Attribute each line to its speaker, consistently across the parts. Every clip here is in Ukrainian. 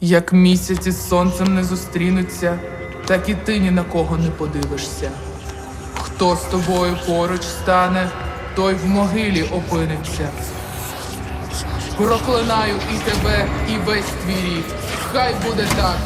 Speaker 1: Як місяць із сонцем не зустрінуться, так і ти ні на кого не подивишся. Хто з тобою поруч стане, той в могилі опиниться. Проклинаю і тебе, і весь твій рід. Хай буде так.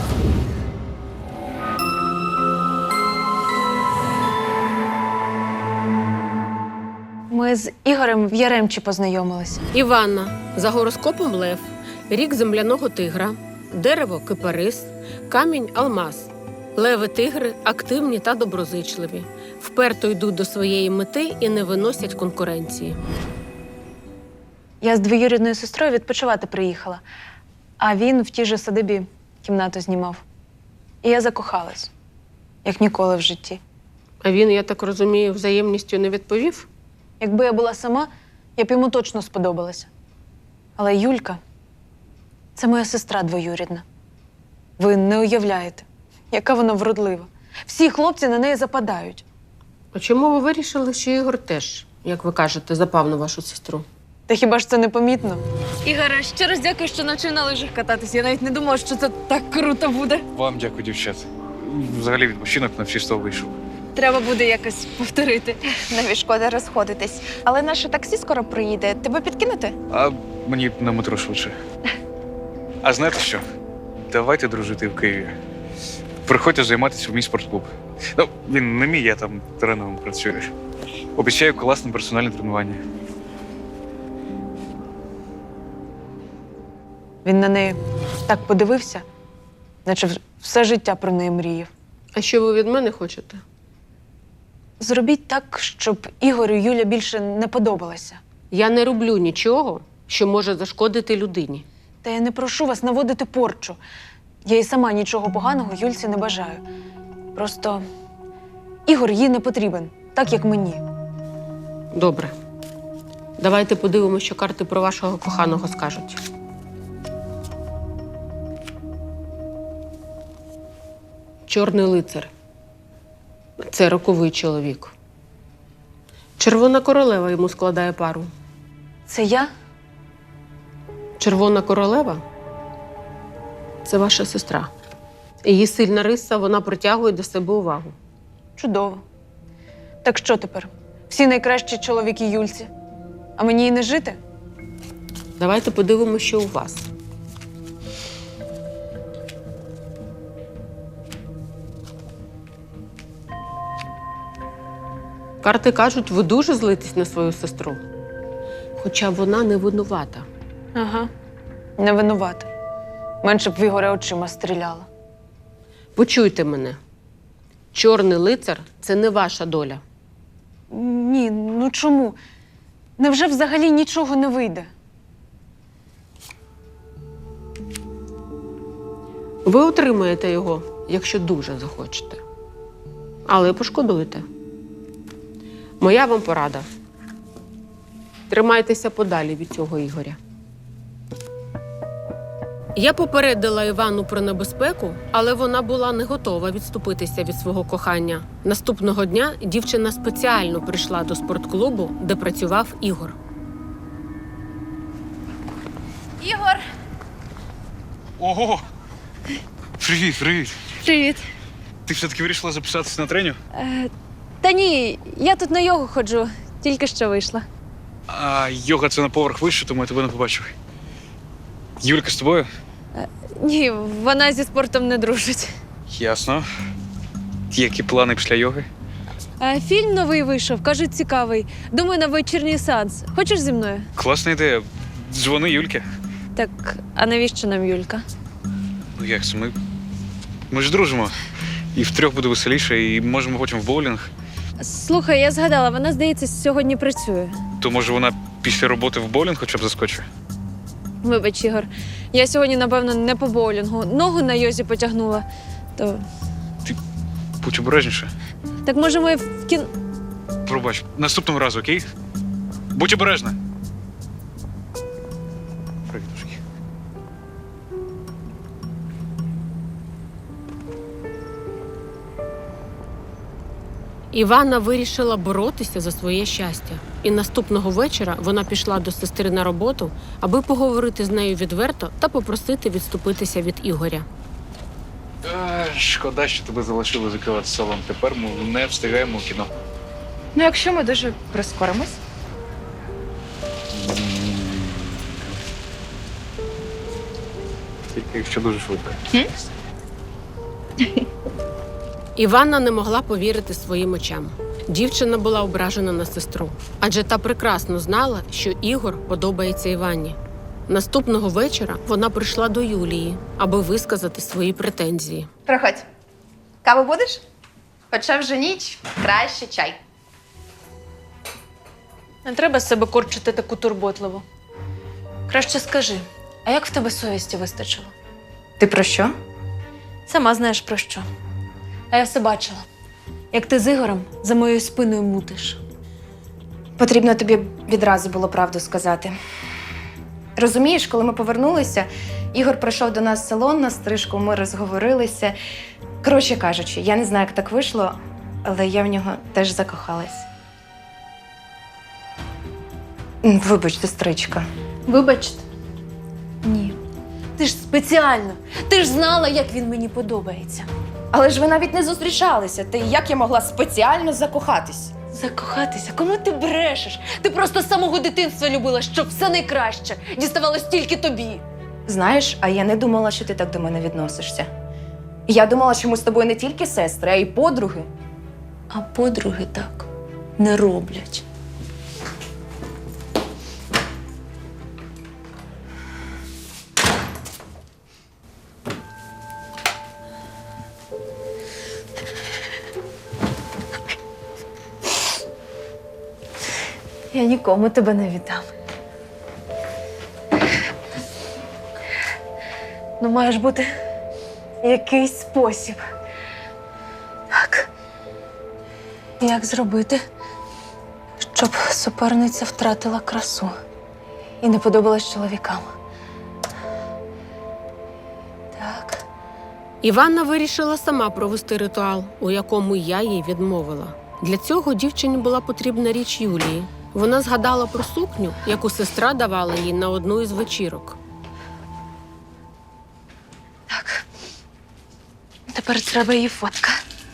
Speaker 2: Ми з Ігорем в Яремчі познайомилися.
Speaker 3: Іванна. За гороскопом лев. Рік земляного тигра. Дерево – кипарис. Камінь – алмаз. Леви-тигри активні та доброзичливі. Вперто йдуть до своєї мети і не виносять конкуренції.
Speaker 2: Я з двоюрідною сестрою відпочивати приїхала, а він в тій же садибі кімнату знімав. І я закохалась, як ніколи в житті.
Speaker 3: А він, я так розумію, взаємністю не відповів?
Speaker 2: Якби я була сама, я б йому точно сподобалася. Але Юлька – це моя сестра двоюрідна. Ви не уявляєте, яка вона вродлива. Всі хлопці на неї западають.
Speaker 3: А чому ви вирішили, що Ігор теж, як ви кажете, запав на вашу сестру?
Speaker 2: Та хіба ж це не помітно? Ігоре, ще раз дякую, що навчив на лижах кататись. Я навіть не думала, що це так круто буде.
Speaker 4: Вам дякую, дівчат. Взагалі відпочинок на всі 100 вийшов.
Speaker 2: Треба буде якось повторити.
Speaker 5: Навіть шкода розходитись. Але наше таксі скоро приїде. Тебе підкинути?
Speaker 4: А мені на метро швидше. А знаєте що? Давайте дружити в Києві. Приходьте займатися в мій спортклуб. Ну, він не мій, я там тренером працюю. Обіцяю класне персональне тренування.
Speaker 2: Він на неї так подивився, наче все життя про неї мріяв.
Speaker 3: А що ви від мене хочете?
Speaker 2: Зробіть так, щоб Ігорю Юля більше не подобалася.
Speaker 3: Я не роблю нічого, що може зашкодити людині.
Speaker 2: Та я не прошу вас наводити порчу. Я і сама нічого поганого Юльці не бажаю. Просто Ігор їй не потрібен, так як мені.
Speaker 3: Добре. Давайте подивимося, що карти про вашого коханого скажуть. Чорний лицар. Це роковий чоловік. Червона королева йому складає пару.
Speaker 2: Це я?
Speaker 3: Червона королева – це ваша сестра. Її сильна риса, вона притягує до себе увагу.
Speaker 2: Чудово. Так що тепер? Всі найкращі чоловіки Юльці. А мені й не жити?
Speaker 3: Давайте подивимося, що у вас. Карти кажуть, ви дуже злитесь на свою сестру. Хоча вона не винувата.
Speaker 2: Ага. Не винувата. Менше б в Ігоря очима стріляла.
Speaker 3: Почуйте мене. Чорний лицар – це не ваша доля.
Speaker 2: Ні, ну чому? Невже взагалі нічого не вийде?
Speaker 3: Ви отримаєте його, якщо дуже захочете. Але пошкодуєте. Моя вам порада. Тримайтеся подалі від цього Ігоря. Я попередила Івану про небезпеку, але вона була не готова відступитися від свого кохання. Наступного дня дівчина спеціально прийшла до спортклубу, де працював Ігор.
Speaker 5: Ігор!
Speaker 4: Ого! Привіт, привіт!
Speaker 2: Привіт.
Speaker 4: Ти все-таки вирішила записатися на тренінг?
Speaker 2: Та ні, я тут на йогу ходжу. Тільки що вийшла.
Speaker 4: А йога це на поверх вище, тому я тебе не побачив. Юлька з тобою?
Speaker 2: Ні, вона зі спортом не дружить.
Speaker 4: Ясно. Які плани після йоги?
Speaker 2: Фільм новий вийшов, кажуть, цікавий. Думаю, на вечірній сеанс. Хочеш зі мною?
Speaker 4: Класна ідея. Дзвони Юльки.
Speaker 2: Так, а навіщо нам Юлька?
Speaker 4: Ну як це? Ми ж дружимо. І втрьох буде веселіше, і можемо потім в боулінг.
Speaker 2: Слухай, я згадала, вона, здається, сьогодні працює.
Speaker 4: То може вона після роботи в боулінг хоча б заскочить?
Speaker 2: Вибач, Ігор, я сьогодні, напевно, не по боулінгу. Ногу на йозі потягнула. То...
Speaker 4: Будь обережніше.
Speaker 2: Так може ми в
Speaker 4: Пробач, наступного разу, окей? Будь обережна. Привітушки.
Speaker 3: Іванна вирішила боротися за своє щастя. І наступного вечора вона пішла до сестри на роботу, аби поговорити з нею відверто та попросити відступитися від Ігоря.
Speaker 4: Шкода, що тебе залишили закривати салон. Тепер ми не встигаємо у кіно.
Speaker 5: Ну, якщо ми дуже прискоримось.
Speaker 4: Тільки якщо дуже швидко.
Speaker 3: Іванна не могла повірити своїм очам. Дівчина була ображена на сестру, адже та прекрасно знала, що Ігор подобається Іванні. Наступного вечора вона прийшла до Юлії, аби висказати свої претензії.
Speaker 5: Проходь. Каву будеш? Хоча вже ніч, краще чай.
Speaker 2: Не треба з себе корчити таку турботливу. Краще скажи, а як в тебе совісті вистачило?
Speaker 5: Ти про що?
Speaker 2: Сама знаєш про що. А я все бачила. Як ти з Ігорем за моєю спиною мутиш.
Speaker 5: Потрібно тобі відразу було правду сказати. Розумієш, коли ми повернулися, Ігор прийшов до нас в салон на стрижку, ми розговорилися. Коротше кажучи, я не знаю, як так вийшло, але я в нього теж закохалась. Вибач, сестричка.
Speaker 2: Вибачте? Ні. Ти ж спеціально. Ти ж знала, як він мені подобається.
Speaker 5: Але ж ви навіть не зустрічалися. Ти як я могла спеціально закохатись?
Speaker 2: Закохатися? Кому ти брешеш? Ти просто з самого дитинства любила, щоб все найкраще діставалось тільки тобі.
Speaker 5: Знаєш, а я не думала, що ти так до мене відносишся. Я думала, що ми з тобою не тільки сестри, а й подруги.
Speaker 2: А подруги так не роблять. Я нікому тебе не віддам. Ну, має ж бути якийсь спосіб. Так. Як зробити, щоб суперниця втратила красу і не подобалась чоловікам? Так.
Speaker 3: Іванна вирішила сама провести ритуал, у якому я їй відмовила. Для цього дівчині була потрібна річ Юлії. Вона згадала про сукню, яку сестра давала їй на одну із вечірок.
Speaker 2: Так. Тепер треба її фотка.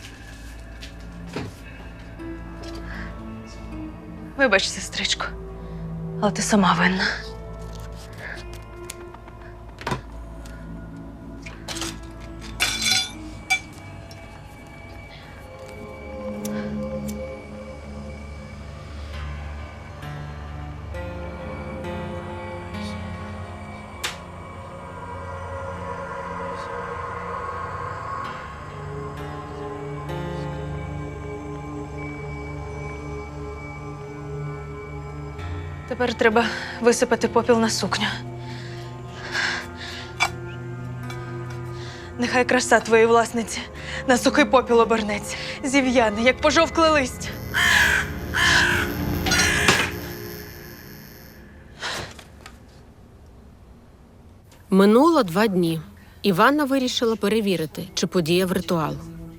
Speaker 2: Вибач, сестричко, але ти сама винна. Тепер треба висипати попіл на сукню. Нехай краса твоєї власниці на сухий попіл обернеться. Зів'яне, як пожовкле листя.
Speaker 3: Минуло 2 дні. Іванна вирішила перевірити, чи подіяв ритуал.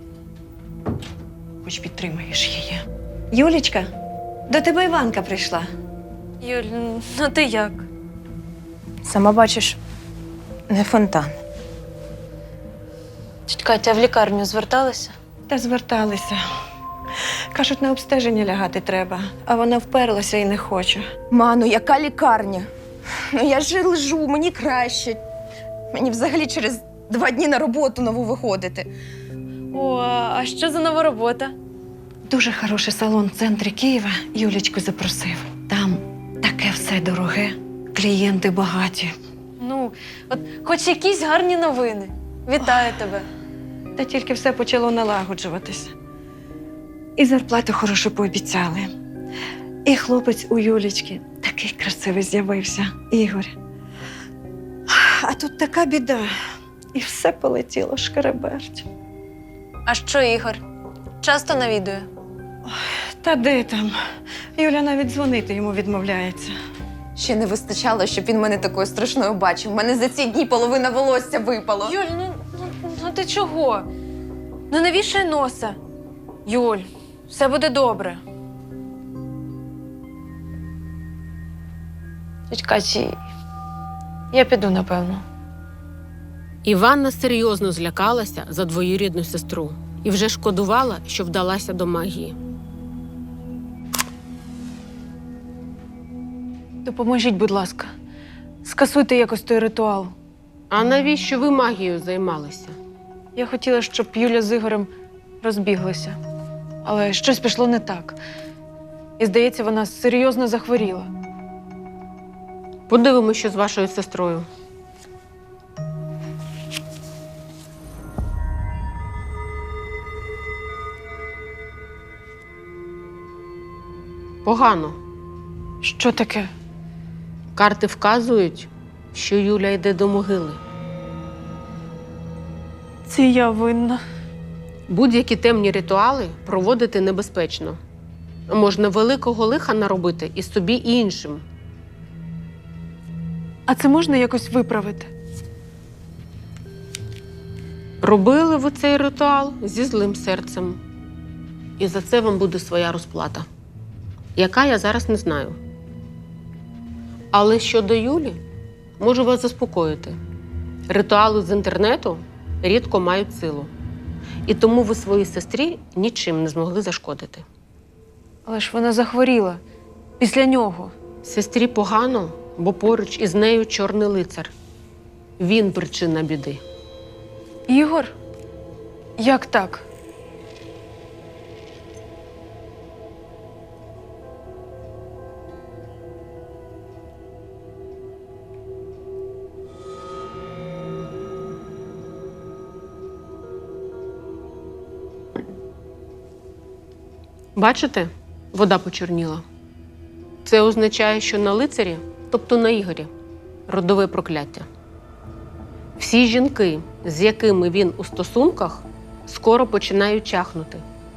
Speaker 2: Хоч підтримаєш її.
Speaker 6: Юлічка, до тебе Іванка прийшла.
Speaker 2: Юль, ну ти як?
Speaker 5: Сама бачиш, не фонтан.
Speaker 2: Тіть Катя, в лікарню зверталася?
Speaker 6: Та зверталися. Кажуть, на обстеження лягати треба, а вона вперлася і не хоче.
Speaker 5: Ману, яка лікарня? Ну я ж лежу, мені краще. Мені взагалі через 2 дні на роботу нову виходити.
Speaker 2: О, а що за нова робота?
Speaker 6: Дуже хороший салон в центрі Києва Юлічку запросив. Там таке все дороге, клієнти багаті.
Speaker 2: Ну, от хоч якісь гарні новини. Вітаю тебе.
Speaker 6: Та тільки все почало налагоджуватися. І зарплату хорошу пообіцяли. І хлопець у Юлічки такий красивий з'явився, Ігор. А тут така біда. І все полетіло шкереберть.
Speaker 2: А що, Ігор? Часто навідує?
Speaker 6: Та де там? Юля навіть дзвонити йому відмовляється.
Speaker 5: Ще не вистачало, щоб він мене такою страшною бачив. У мене за ці дні половина волосся випало.
Speaker 2: Юль, ну ти чого? Ну не вішай носа. Юль, Все буде добре. Тіть Каті, я піду, напевно.
Speaker 3: Іванна серйозно злякалася за двоюрідну сестру і вже шкодувала, що вдалася до магії.
Speaker 2: Допоможіть, будь ласка. Скасуйте якось той ритуал.
Speaker 3: А навіщо ви магією займалися?
Speaker 2: Я хотіла, щоб Юля з Ігорем розбіглися. Але щось пішло не так. І, здається, вона серйозно захворіла.
Speaker 3: Подивимося, що з вашою сестрою. Погано.
Speaker 2: Що таке?
Speaker 3: Карти вказують, що Юля йде до могили.
Speaker 2: Це я винна.
Speaker 3: Будь-які темні ритуали проводити небезпечно. Можна великого лиха наробити і собі, і іншим.
Speaker 2: А це можна якось виправити?
Speaker 3: Робили ви цей ритуал зі злим серцем. І за це вам буде своя розплата. Яка, я зараз не знаю. Але щодо Юлі, можу вас заспокоїти. Ритуали з інтернету рідко мають силу. І тому ви своїй сестрі нічим не змогли зашкодити.
Speaker 2: Але ж вона захворіла. Після нього.
Speaker 3: Сестрі погано, бо поруч із нею чорний лицар. Він причина біди.
Speaker 2: Ігор? Як так?
Speaker 3: Бачите? Вода почорніла. Це означає, що на лицарі, тобто на Ігорі, родове прокляття. Всі жінки, з якими він у стосунках, скоро починають чахнути.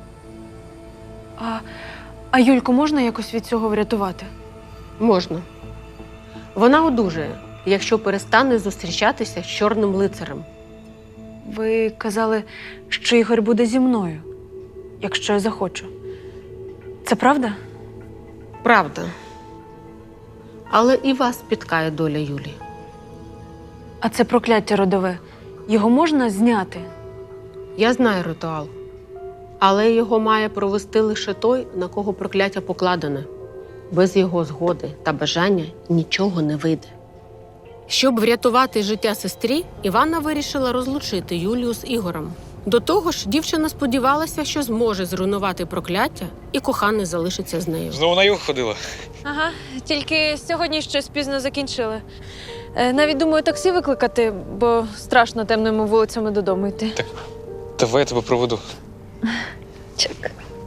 Speaker 2: А Юльку можна якось від цього врятувати?
Speaker 3: Можна. Вона одужає, якщо перестане зустрічатися з чорним лицарем.
Speaker 2: Ви казали, що Ігор буде зі мною, якщо я захочу. Це правда?
Speaker 3: Правда. Але і вас спіткає доля Юлі.
Speaker 2: А це прокляття родове. Його можна зняти?
Speaker 3: Я знаю ритуал. Але його має провести лише той, на кого прокляття покладене. Без його згоди та бажання нічого не вийде. Щоб врятувати життя сестрі, Іванна вирішила розлучити Юлію з Ігорем. До того ж, дівчина сподівалася, що зможе зруйнувати прокляття, і коханий залишиться з нею.
Speaker 4: Знову на юг ходила.
Speaker 2: Ага, тільки сьогодні щось пізно закінчили. Навіть думаю таксі викликати, бо страшно темними вулицями додому йти.
Speaker 4: Давай я тебе проведу.
Speaker 2: Чек.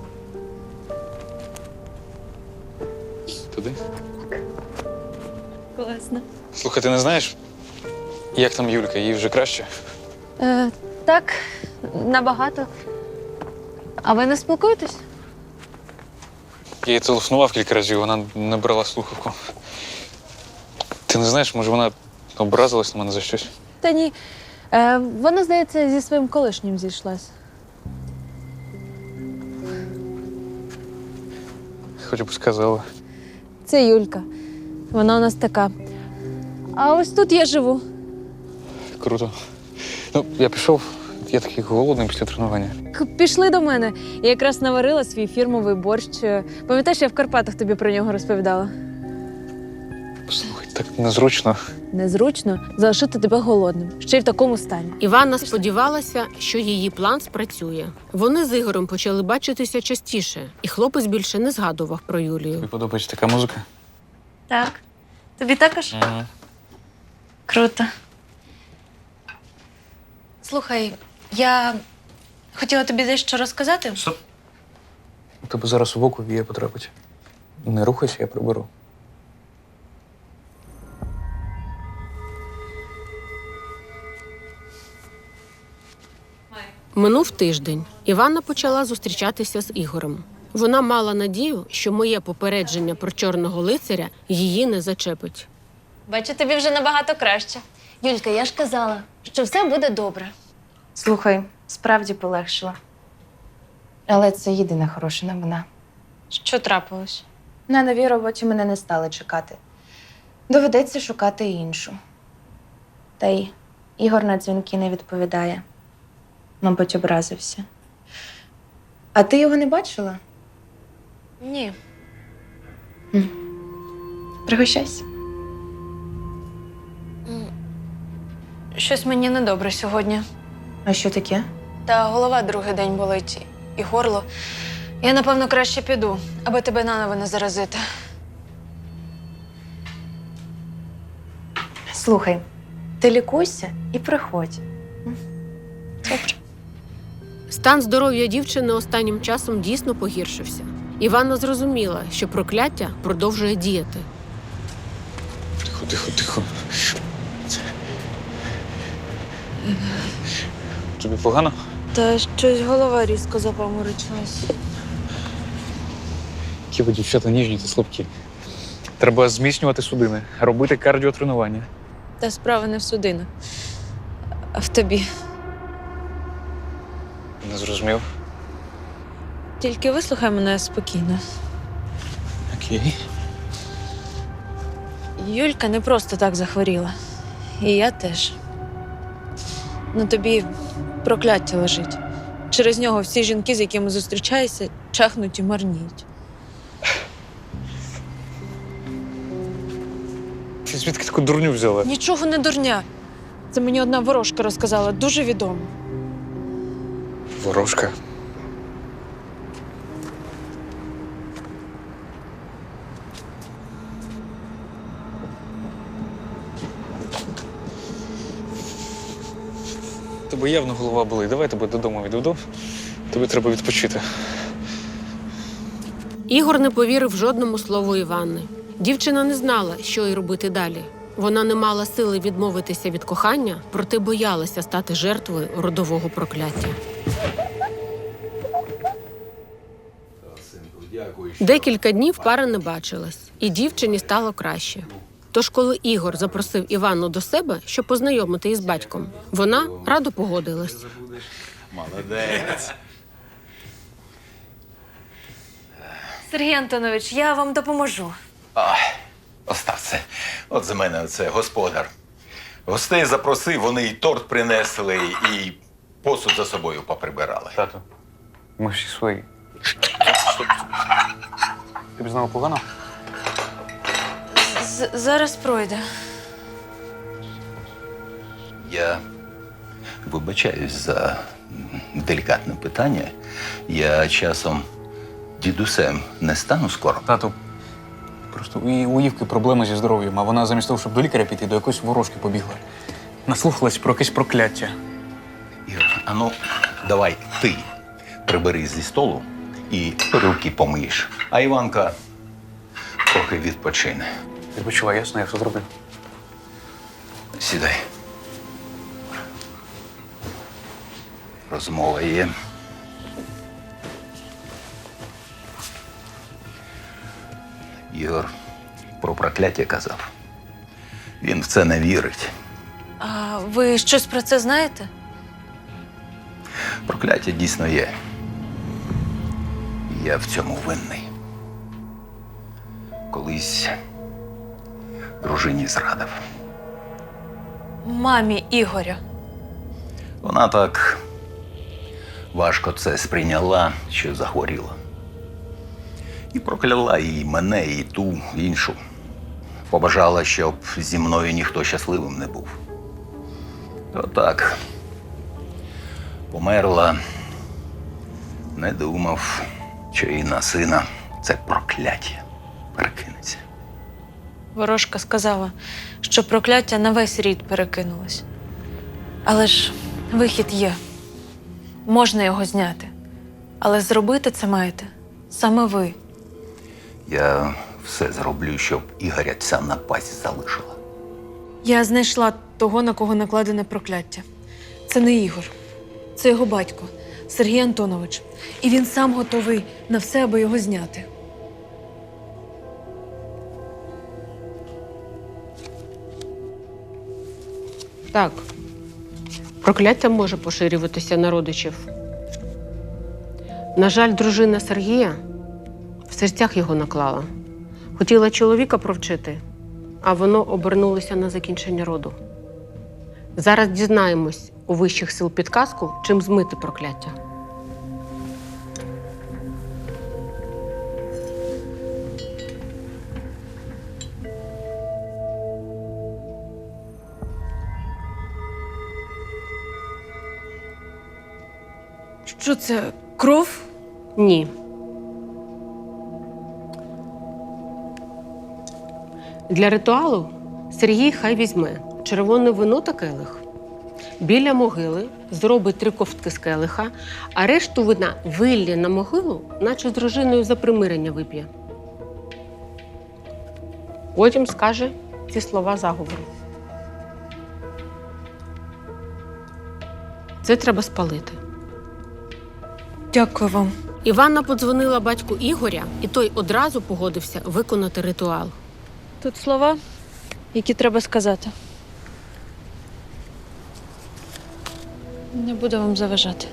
Speaker 4: Туди?
Speaker 2: Класно.
Speaker 4: Слухай, ти не знаєш, як там Юлька? Їй вже краще?
Speaker 2: Так, набагато. А ви не спілкуєтесь?
Speaker 4: Я їй телефонував кілька разів, вона не брала слухавку. Ти не знаєш, може вона образилась на мене за щось?
Speaker 2: Та ні. Вона, здається, зі своїм колишнім зійшлась.
Speaker 4: Хоч б сказала.
Speaker 2: Це Юлька. Вона у нас така. А ось тут я живу.
Speaker 4: Круто. Ну, я пішов, я такий голодний після тренування.
Speaker 2: Пішли до мене. Я якраз наварила свій фірмовий борщ. Пам'ятаєш, я в Карпатах тобі про нього розповідала?
Speaker 4: Слухай, так незручно.
Speaker 2: Незручно залишити тебе голодним, ще й в такому стані.
Speaker 3: Іванна сподівалася, що її план спрацює. Вони з Ігорем почали бачитися частіше, і хлопець більше не згадував про Юлію.
Speaker 4: Тобі подобається така музика?
Speaker 2: Так. Тобі також?
Speaker 4: Ага.
Speaker 2: Круто. Слухай, я хотіла тобі дещо розказати.
Speaker 4: Стоп. У тебе зараз в око вія потрапить. Не рухайся, я приберу.
Speaker 3: Минув тиждень. Іванна почала зустрічатися з Ігорем. Вона мала надію, що моє попередження про чорного лицаря її не зачепить.
Speaker 2: Бачу, тобі вже набагато краще. Юлька, я ж казала, що все буде добре.
Speaker 5: Слухай, справді полегшила. Але це єдина хороша новина.
Speaker 2: Що трапилось?
Speaker 5: На новій роботі мене не стали чекати. Доведеться шукати іншу. Та й Ігор на дзвінки не відповідає. Мабуть, образився. А ти його не бачила?
Speaker 2: Ні.
Speaker 5: Пригощайся.
Speaker 2: Щось мені недобре сьогодні.
Speaker 5: А що таке?
Speaker 2: Та голова другий день болить, і горло. Я, напевно, краще піду, аби тебе наново не заразити.
Speaker 5: Слухай, ти лікуйся і приходь. Добре.
Speaker 3: Стан здоров'я дівчини останнім часом дійсно погіршився. Іванна зрозуміла, що прокляття продовжує діяти.
Speaker 4: Тихо, тихо, тихо. Тобі погано?
Speaker 2: Та щось голова різко запаморочилась.
Speaker 4: Які ви, дівчата, ніжні та слабкі. Треба зміцнювати судини, робити кардіотренування.
Speaker 2: Та справа не в судинах, а в тобі.
Speaker 4: Не зрозумів.
Speaker 2: Тільки вислухай мене спокійно.
Speaker 4: Окей.
Speaker 2: Юлька не просто так захворіла. І я теж. На тобі прокляття лежить. Через нього всі жінки, з якими зустрічаєшся, чахнуть і марніють.
Speaker 4: Ти звідки таку дурню взяла?
Speaker 2: Нічого не дурня. Це мені одна ворожка розказала, дуже відома.
Speaker 4: Ворожка. Тебе явно голова болить. Давай тебе додому відведу. Тобі треба відпочити.
Speaker 3: Ігор не повірив жодному слову Іванни. Дівчина не знала, що й робити далі. Вона не мала сили відмовитися від кохання, проте боялася стати жертвою родового прокляття. Декілька днів пара не бачилась, і дівчині стало краще. Тож, коли Ігор запросив Іванну до себе, щоб познайомити із батьком, вона радо погодилась.
Speaker 7: Молодець.
Speaker 2: Сергій Антонович, я вам допоможу.
Speaker 7: Остав це. От за мене це господар. Гостей запросив, вони і торт принесли, і посуд за собою поприбирали.
Speaker 4: Тато, ми всі свої. Тобі знову погано?
Speaker 2: Зараз пройде.
Speaker 7: Я вибачаюсь за делікатне питання. Я часом дідусем не стану скоро.
Speaker 4: Тату, просто у Євки проблеми зі здоров'ям, а вона замість того, щоб до лікаря піти, до якоїсь ворожки побігла. Наслухалась про якесь прокляття.
Speaker 7: Ігор, а ну, давай ти прибери зі столу і руки помиєш. А Іванка трохи відпочине.
Speaker 4: Відпочивай, ясно, я все зроблю.
Speaker 7: Сідай. Розмова є. Ігор про прокляття казав. Він в це не вірить.
Speaker 2: А ви щось про це знаєте?
Speaker 7: Прокляття дійсно є. Я в цьому винний. Колись дружині зрадив.
Speaker 2: Мамі Ігоря.
Speaker 7: Вона так важко це сприйняла, що захворіла. І прокляла і мене, і ту іншу. Побажала, щоб зі мною ніхто щасливим не був. Отак. Померла. Не думав, що і на сина це прокляття перекинеться.
Speaker 2: Ворожка сказала, що прокляття на весь рід перекинулось. Але ж вихід є. Можна його зняти. Але зробити це маєте саме ви.
Speaker 7: Я все зроблю, щоб Ігоря ця напасть залишила.
Speaker 2: Я знайшла того, на кого накладене прокляття. Це не Ігор. Це його батько, Сергій Антонович. І він сам готовий на все, аби його зняти.
Speaker 3: Так, прокляття може поширюватися на родичів. На жаль, дружина Сергія в серцях його наклала. Хотіла чоловіка провчити, а воно обернулося на закінчення роду. Зараз дізнаємось у вищих сил підказку, чим змити прокляття.
Speaker 2: Що це? Кров?
Speaker 3: Ні. Для ритуалу Сергій хай візьме червоне вино та келих. Біля могили зробить 3 ковтки з келиха, а решту вина виллє на могилу, наче з дружиною за примирення вип'є. Потім скаже ці слова заговору. Це треба спалити.
Speaker 2: Дякую вам.
Speaker 3: Іванна подзвонила батьку Ігоря, і той одразу погодився виконати ритуал.
Speaker 2: Тут слова, які треба сказати. Не буду вам заважати.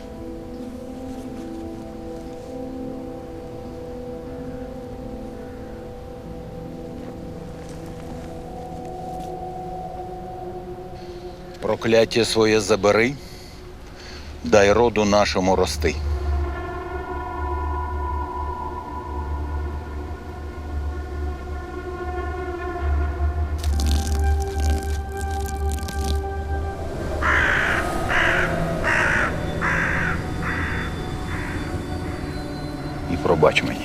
Speaker 7: Прокляття своє забери, дай роду нашому рости. І пробач мені.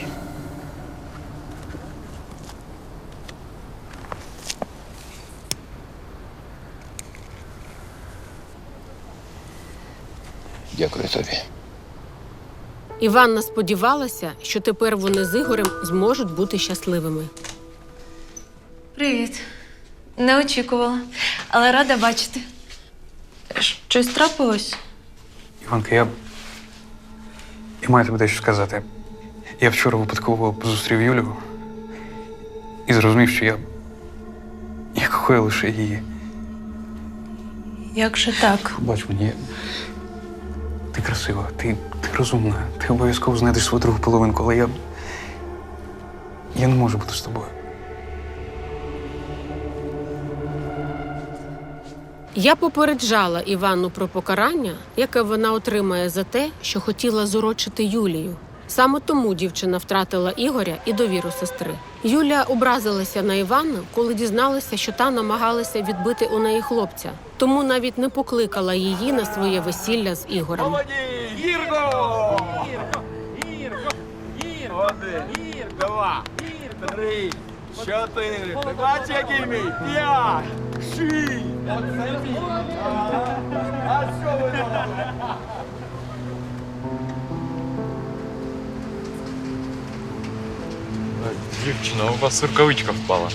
Speaker 7: Дякую тобі.
Speaker 3: Іванна сподівалася, що тепер вони з Ігорем зможуть бути щасливими.
Speaker 2: Привіт. Не очікувала, але рада бачити. Щось трапилось?
Speaker 4: Іванка, я маю тобі дещо сказати. Я вчора випадково зустрів Юлю і зрозумів, що я кохаю лише її.
Speaker 2: Як же так?
Speaker 4: Бач мені, ти красива, ти розумна, ти обов'язково знайдеш свою другу половинку, але я не можу бути з тобою.
Speaker 3: Я попереджала Іванну про покарання, яке вона отримає за те, що хотіла зурочити Юлію. Саме тому дівчина втратила Ігоря і довіру сестри. Юля образилася на Іванну, коли дізналася, що та намагалася відбити у неї хлопця. Тому навіть не покликала її на своє весілля з Ігорем.
Speaker 8: Гірко! Один, два, три, чотири. Ти бачиш, який мій? 5, 6. А що ви робите?
Speaker 9: Дівчина, у вас рукавичка впала.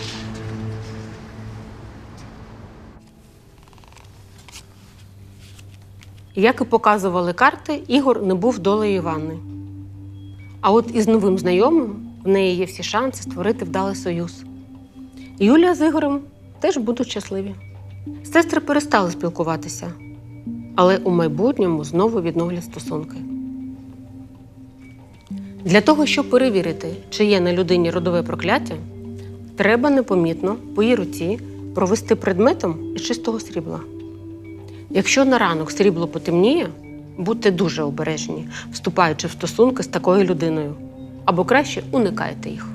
Speaker 3: Як і показували карти, Ігор не був долею Іванни. А от із новим знайомим в неї є всі шанси створити вдалий союз. Юлія з Ігорем теж будуть щасливі. Сестри перестали спілкуватися, але у майбутньому знову відновлять стосунки. Для того, щоб перевірити, чи є на людині родове прокляття, треба непомітно по її руці провести предметом із чистого срібла. Якщо на ранок срібло потемніє, будьте дуже обережні, вступаючи в стосунки з такою людиною. Або краще уникайте їх.